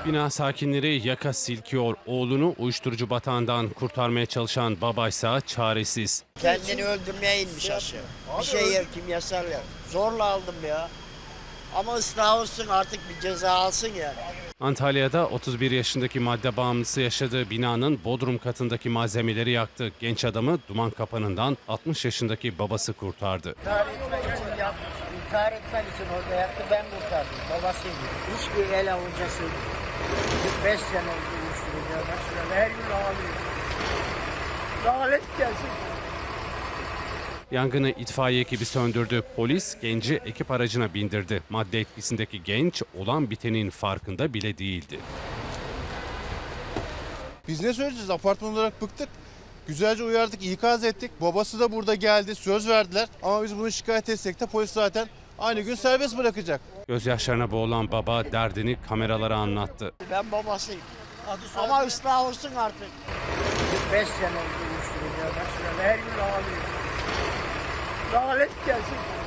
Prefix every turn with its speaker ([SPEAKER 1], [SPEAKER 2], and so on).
[SPEAKER 1] Bina sakinleri yaka silkiyor. Oğlunu uyuşturucu batağından kurtarmaya çalışan babaysa çaresiz.
[SPEAKER 2] Kendini öldürmeye inmiş aşağı. Bir şey yer, kimyasal yer. Zorla aldım ya. Ama ıslah olsun, artık bir ceza alsın yani.
[SPEAKER 1] Antalya'da 31 yaşındaki madde bağımlısı yaşadığı binanın bodrum katındaki malzemeleri yaktı. Genç adamı duman kapanından 60 yaşındaki babası kurtardı.
[SPEAKER 2] İntihar etmek için yaptı. İntihar etmek için orada yaktı, ben kurtardım. Babasıydı. Hiçbir el avucası 45 sene oldu uyuşturucuya başladı. Her gün ağlıyor. Lanet gelsin.
[SPEAKER 1] Yangını itfaiye ekibi söndürdü. Polis genci ekip aracına bindirdi. Madde etkisindeki genç olan bitenin farkında bile değildi.
[SPEAKER 3] Biz ne söyleyeceğiz? Apartman olarak bıktık. Güzelce uyardık, ikaz ettik. Babası da burada geldi, söz verdiler. Ama biz bunu şikayet etsek de polis zaten aynı gün serbest bırakacak.
[SPEAKER 1] Gözyaşlarına boğulan baba derdini kameralara anlattı.
[SPEAKER 2] Ben babasıyım. Ama ıslah olsun artık. 45 sene oldu uyuşturucuya başladı. Her gün ağlıyor. Lanet gelsin.